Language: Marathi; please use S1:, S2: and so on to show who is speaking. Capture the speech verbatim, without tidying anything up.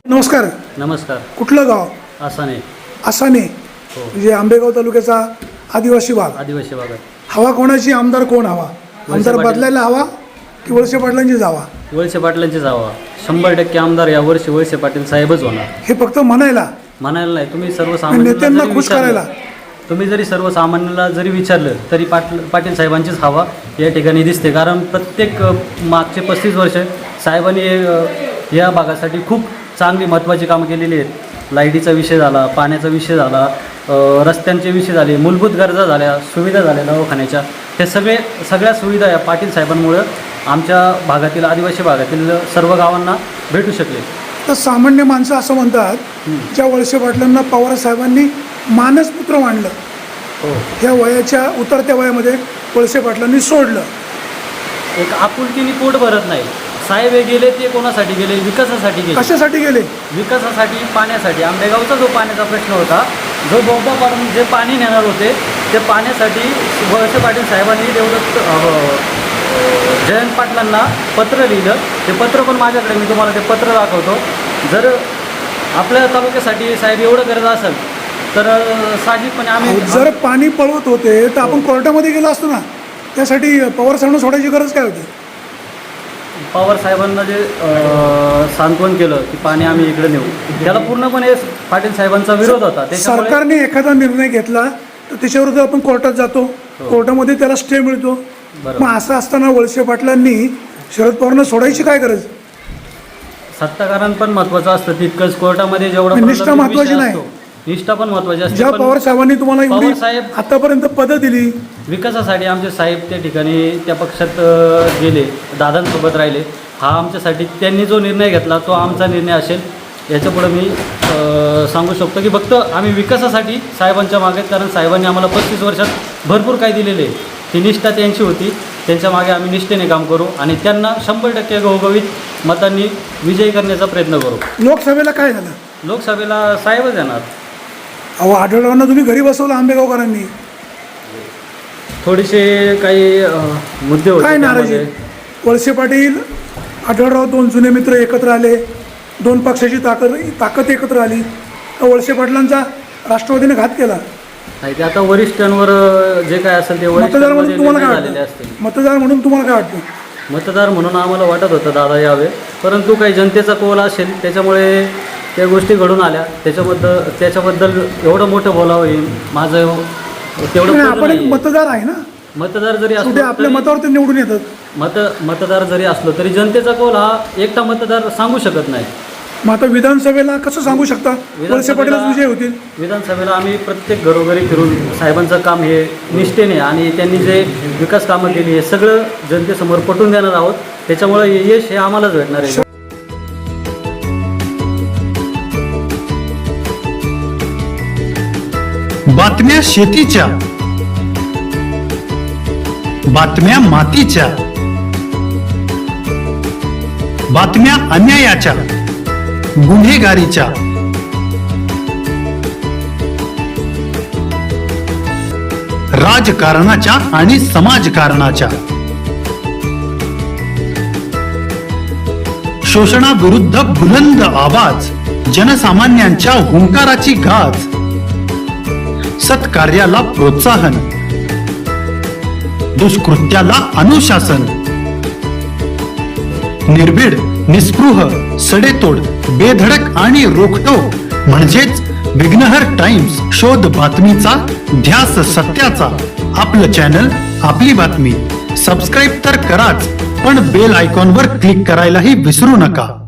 S1: नमस्कार.
S2: नमस्कार.
S1: कुठलं गाव?
S2: आसाने.
S1: आसाने
S2: हो.
S1: म्हणजे आंबेगाव तालुक्याचा आदिवासी भाग.
S2: आदिवासी भागात.
S1: हवा कोणाची? आमदार कोण हवा? आमदार
S2: पाटील.
S1: बदलायला हवा की वळसे पाटलांची जावा?
S2: वळसे पाटलांची जावा. शंभर टक्के आमदार यावर्षी वळसे पाटील साहेबच होणार.
S1: हे फक्त म्हणायला
S2: म्हणायला नाही, तुम्ही
S1: नेत्यांना
S2: सर्वसामान्यांना
S1: खुश करायला.
S2: तुम्ही जरी सर्वसामान्यांना जरी विचारलं तरी पाटील पाटील साहेबांचीच हवा या ठिकाणी दिसते. कारण प्रत्येक अ, मागचे पस्तीस वर्ष साहेबांनी अ, या भागासाठी खूप चांगली महत्त्वाची कामं केलेली आहेत. लाईटीचा विषय झाला, पाण्याचा विषय झाला, अ, रस्त्यांचे विषय झाले, मूलभूत गरजा झाल्या, सुविधा झाल्या दवाखान्याच्या. हे सगळे सगळ्या सुविधा या पाटील साहेबांमुळं आमच्या भागातील आदिवासी भागातील सर्व गावांना भेटू शकले.
S1: तर सामान्य माणसं असं म्हणतात, ज्या वळसे पाटलांना पवार साहेबांनी मानसपुत्र मानलं,
S2: हो,
S1: ह्या वयाच्या उतरत्या वयामध्ये वळसे पाटलांनी सोडलं.
S2: एक आपुलकीने पोट भरत नाही. साहेब हे गेले ते कोणासाठी गेले? विकासासाठी गेले.
S1: कशासाठी गेले?
S2: विकासासाठी, पाण्यासाठी. आंबेगावचा जो पाण्याचा प्रश्न होता, जो बोगदा पाडून जे पाणी नेणार होते, ते पाण्यासाठी वळसे पाटील साहेबांनी देवदत्त जयंत पाटलांना पत्र लिहिलं. ते पत्र पण माझ्याकडे, मी तुम्हाला ते पत्र दाखवतो. जर आपल्या तालुक्यासाठी साहेब एवढं करत असेल तर साहजिकपणे आम्ही
S1: जर पाणी पळवत होते तर आपण कोर्टामध्ये गेलो असतो ना. त्यासाठी पवार साहेबांना सोडायची गरज काय होती?
S2: पवार साहेबांना जे सांत्वन केलं की पाणी आम्ही इकडे नेऊ, त्याला पूर्णपणे पाटील साहेबांचा विरोध होता. त्याच्यामुळे
S1: सरकारने एखादा निर्णय घेतला तर त्याच्याविरुद्ध आपण कोर्टात जातो, कोर्टामध्ये त्याला स्टे मिळतो.
S2: बरोबर.
S1: मग असं असताना वळसे पाटलांनी शरद पवारांना सोडायची काय गरज?
S2: सत्ताकारण पण महत्वाचं असतं तितकंच. कोर्टामध्ये जेवढं
S1: निष्ठा महत्त्वाची नाही.
S2: निष्ठा पण महत्वाची असते.
S1: ज्या
S2: पण
S1: पवार साहेबांनी तुम्हाला एवढी
S2: पवार साहेब
S1: आतापर्यंत पदं दिली,
S2: विकासासाठी आमचे साहेब त्या ठिकाणी त्या पक्षात अ, गेले, दादांसोबत राहिले. हा आमच्यासाठी त्यांनी जो निर्णय घेतला तो आमचा निर्णय असेल. याच्यापुढे मी अ, सांगू शकतो की फक्त आम्ही विकासासाठी साहेबांच्या मागे, कारण साहेबांनी आम्हाला पस्तीस वर्षात भरपूर काही दिलेले आहे. ती निष्ठा त्यांची होती. त्यांच्या मागे आम्ही निष्ठेने काम करू आणि त्यांना शंभर टक्के घवघवीत मतांनी विजयी करण्याचा प्रयत्न करू.
S1: लोकसभेला काय झालं?
S2: लोकसभेला साहेबच येणार.
S1: अहो, आढळरावांना तुम्ही घरी बसवलं आंबेगावकरांनी.
S2: थोडेसे काही अ, मुद्दे होते
S1: काय नाराजी?
S2: त्यामध्ये.
S1: वळसे पाटील, आढळराव दोन जुने मित्र एकत्र आले, दोन पक्षाची ताकद ताकद एकत्र आली. तर वळसे पाटलांचा राष्ट्रवादीने घात केला.
S2: नाही, ते आता वरिष्ठांवर जे काय असेल ते
S1: मतदार म्हणून
S2: वरिष्ठांमध्ये
S1: तुम्हाला
S2: निर्णय
S1: काय
S2: झालेले
S1: वाटतं?
S2: असतील.
S1: मतदार म्हणून तुम्हाला काय वाटतं?
S2: मतदार म्हणून आम्हाला वाटत होतं दादा यावे, परंतु काही जनतेचा कौल असेल त्याच्यामुळे त्या गोष्टी घडून आल्या. त्याच्याबद्दल त्याच्याबद्दल एवढं मोठं बोलावं हे माझं तेवढं
S1: नाही,
S2: पटलं
S1: आपण एक
S2: नाहीये.
S1: मतदार आहे ना.
S2: मतदार जरी
S1: शेवटी
S2: असलो
S1: आपल्या
S2: तरी-
S1: मतावर ते निवडून येतात.
S2: मत मतदार जरी असलो तरी जनतेचा कौल हा एकटा मतदार सांगू शकत नाही.
S1: मग आता विधानसभेला कसं सांगू शकता वळसे पाटीलच विजय होतील?
S2: विधानसभेला आम्ही प्रत्येक घरोघरी फिरून साहेबांचं काम हे निष्ठेने आणि त्यांनी जे विकास कामं केली हे सगळं जनतेसमोर पटवून देणार आहोत. त्याच्यामुळे यश हे आम्हालाच भेटणार आहे.
S3: बातम्या शेतीच्या, बातम्या मातीच्या, बातम्या अन्यायाच्या, गुन्हेगारीच्या, राजकारणाच्या आणि समाजकारणाच्या, शोषणाविरुद्ध बुलंद आवाज, जनसामान्यांच्या हुंकाराची गाज, सत्कार्याला प्रोत्साहन, दुष्कृत्याला अनुशासन, निर्भीड, निस्पृह, सडेतोड, बेधडक आणि रोखटोक म्हणजेच विघ्नहर टाइम्स. शोध बातमीचा, ध्यास सत्याचा. आपलं चॅनल, आपली बातमी. सबस्क्राईब तर कराच, पण बेल आयकॉनवर क्लिक करायलाही विसरू नका.